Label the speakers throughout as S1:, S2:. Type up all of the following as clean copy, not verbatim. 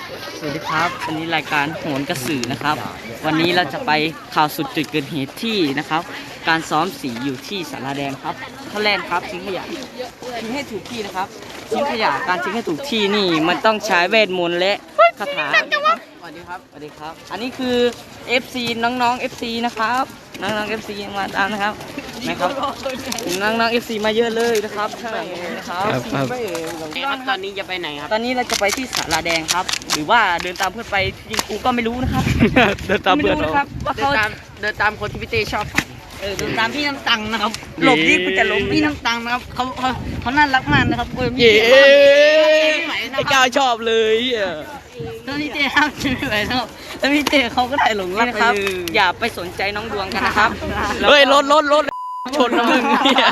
S1: สวัสดีครับวันนี้รายการโหนกระสือนะครับวันนี้เราจะไปข่าวสุดจุดเกิดเหตุที่นะครับการซ้อมสีอยู่ที่ศาลาแดงครับท่าแรกครับทิ้งขยะทิ้งให้ถูกที่นะครับทิ้งขยะการทิ้งให้ถูกที่นี่มันต้องใช้เวทมนต์และคาถาสวัสดีครับสวัสดีครับอันนี้คือ FC น้องๆ FC นะครับน้องๆ FC มาตามนะครับน้องๆ FC มาเยอะเลยนะครับข้างหลังนี้นะครับ
S2: ตอนนี้จะไปไหนครับ
S1: ตอนนี้เราจะไปที่ศาลาแดงครับหรือว่าเดินตามเพื่อนไปจริงกูก็ไม่รู้นะครับ
S2: เดินตามเพื่อน
S1: นะครับว่าเขา
S2: เดินตามคนที่พี่เต้ชอบไป
S1: เดินตามพี่น้ำตังนะครับหลบที่กูจะหลบพี่น้ำตังนะครับเขาน่ารักมากนะครับ
S2: เย้ไอ้ก้าวชอบเลย
S1: ถ้าพี่เต้ห้ามไม่ไหวนะครับถ้าพี่เต้เขาก็ได้หลงรักนะครับอย่าไปสนใจน้องดวงกันนะครับ
S2: เฮ้ยรถชนนะมึงเนี่ย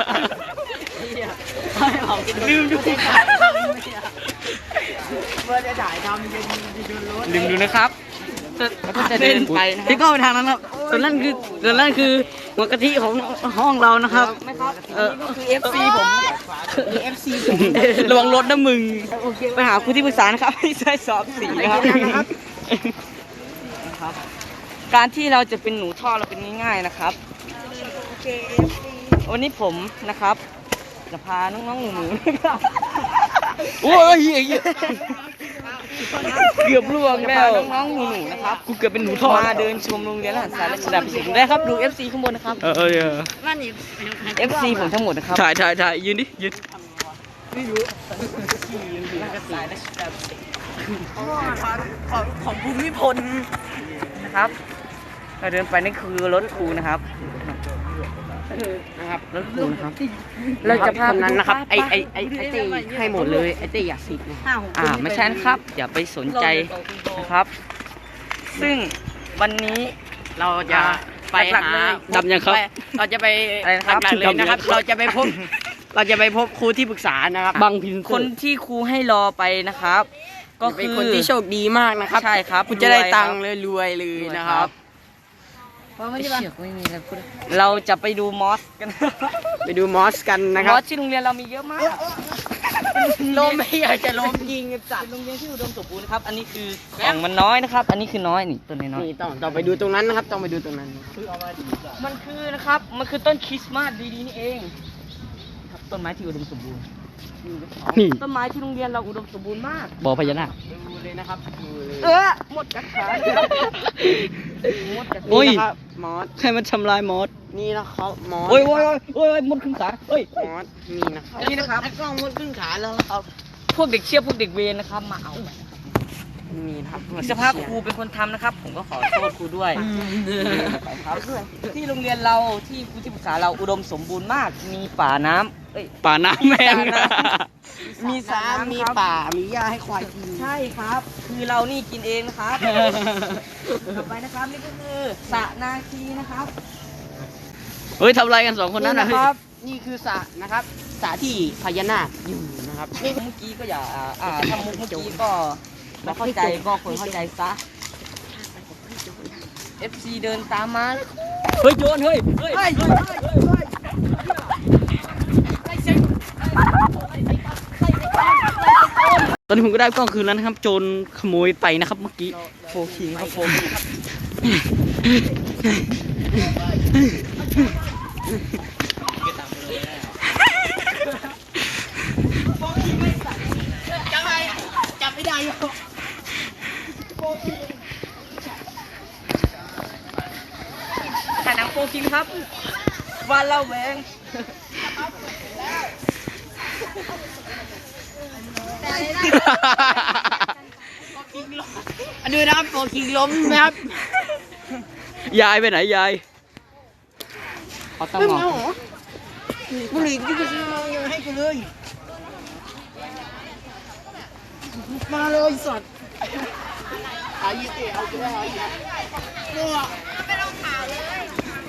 S1: ลืมดู
S2: ว่าจะถ่ายทำเป็นรถ
S1: ลืมดูนะครับก็จะเดินไปที่ก็ไปทางนั้นครับส่วนนั่นคือหัวกะทิของห้องเรานะครับก็คือ FC ผมFC ผมระวังรถนะมึงไปหาครูที่ปรึกษานะครับไม่ใช่สอบสีนะครับการที่เราจะเป็นหนูท่อเราเป็นง่ายๆนะครับวันนี้ผมนะครับจะพาน้องๆหนูนะครับ
S2: โอ้ยเกือบล่วงแล้ว
S1: น้องๆหนูนะครับ
S2: กูเกือบเป็นหนูท่อ
S1: มาเดินชมโรงเรียนทหารสารระดับสิงได้ครับดู FC ข้างบนนะครับFC ผมทั้งหมดนะครับ
S2: ถ่ายยืนดิยืน
S1: ของภูมิพลนะครับเราเดินไปนี่คือรถครูนะครับรถครูนะครับเราจะพา
S2: นั้นนะครับไอ้ตีให้หมดเลยไอ้ตีอยากสิบ
S1: ไม่ใช่นะครับอย่าไปสนใจนะครับ ซึ่งวันนี้
S2: เราจะไปหาดำยังครับเราจะไปหลักเลยนะครับเราจะไปพบครูที่ปรึกษานะครับ
S1: บางพินคนที่ครูให้รอไปนะครับก็
S2: คือคนที่โชคดีมากนะครับ
S1: ใช่ครับ
S2: คุณจะได้ตังค์เลยรวยเลยนะครับ
S1: เราจะไปดูมอสกัน
S2: นะครับ
S1: มอสที่โรงเรียนเรามีเยอะมาก
S2: ล้มไม่อยากจะล้มยิงจัด
S1: โรงเรียนที่อุดมสมบูรณ์นะครับอันนี้คือของมันน้อยนะครับอันนี้คือน้อยนี่ต้นน้อย
S2: นี่ต้องไปดูตรงนั้นนะครับต้องไปดูตรงนั้น
S1: มันคือนะครับมันคือต้นคริสต์มาสดีๆนี่เองครับต้นไม้ที่อุดมสมบูรณ์นี่ต้นไม้ที่โรงเรียนเราอุดมสมบูรณ์มาก
S2: บ่อพญานาค
S1: ดูเลยนะครับหมดกัดขา
S2: โอ้ยมอสใครมันทำลายมอสนี่นะครับมอสโอ้
S1: ยมดขึ้นขาเฮ้ย
S2: มอสนี่นะครับ
S1: กล้องมดขึ้นขาแล้วครับพวกเด็กเชี่ยวพวกเด็กเวรนะครับมาเอา
S2: นี่ครับ
S1: สภาพครูเป็นคนทำนะครับผมก็ขอโทษครูด้วยที่โรงเรียนเราที่ครูที่ปรึกษาเราอุดมสมบูรณ์มากมีป่าน้ำ
S2: แม่
S1: มีสระ
S2: มีป่ามีหญ้าให้ควายกิน
S1: ใช่ครับคือเรานี่กินเองนะครับต่อไปนะครับนี่ก็คือสระนาคีนะครับ
S2: เฮ้ยทำอะไรกัน2 คนนั้นนะครับนี่คือสระนะครับสระที่พญานาคอยู่นะครับ
S1: เมื่อกี้ก็อย่าถ้ามุกเมื่อกี้ก็ไม่เข้าใจก็ควรเข้าใจซะ FC เดินตามมา
S2: เฮ้ยโยนเฮ้ยตอนนี้ผมก็ได้กล้องคืนแล้วนะครับโจรขโมยไปนะครับเมื่อกี้
S1: โฟคิงครับ
S2: จับไม่ได้
S1: ถ่ายหนังโฟคิงครับวันเราแหวง
S2: อันนี้นะครับโฟคิงล้มนะครับยายไปไหนยาย
S1: เขาต้องมอง
S2: บุหรี่ที่กูซื้อมายังให้กูเลยมาเลยสัตว์เอายี่สิเอาไปได้
S3: ไปลงข่าวเลย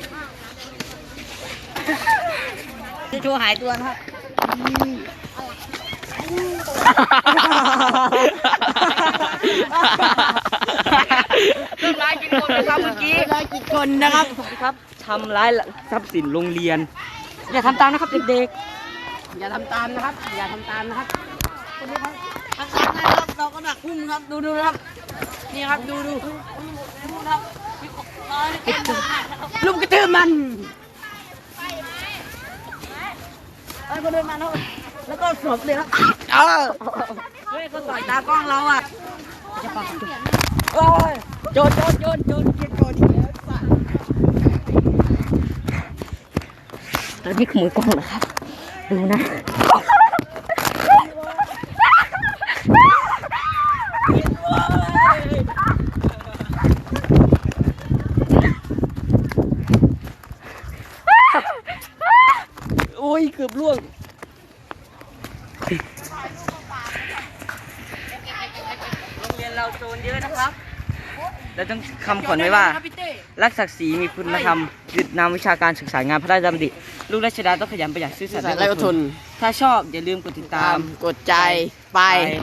S1: จะโชว์หายตัวนะครับทำร้ายกี่คนนะครับเมื่อกี้
S2: นะครับ
S1: ทำร้ายทรัพย์สินโรงเรียนอย่าทำตามนะครับเด็ก
S2: ๆอย่าทำตามนะครับเราก็ดักพุ่มครับดูครับนี่ครับดูครับลุมกระตือมันไอ้คนเดินมาแล้วก็สวมเลยครับเฮ้ยเขาต่อยตากล้องเราอ่ะโอ้ยโจนเกียร์โจนอีกแล้วตอนนี้ขโมยกล้องเหรอครับดูนะโอ้ยเกือบล่วง
S1: โรงเรียนเราโจรเยอะนะครับเราต้องคำขวัญไว้ว่ารักศักดิ์ศรีมีคุณธรรมยึดนำวิชาการศึกษางานพระราชดำริลูกราชดาต้องขยันประหยัดซื่อสัตย์และอดทนถ้าชอบอย่าลืมกดติดตาม
S2: กดใจไป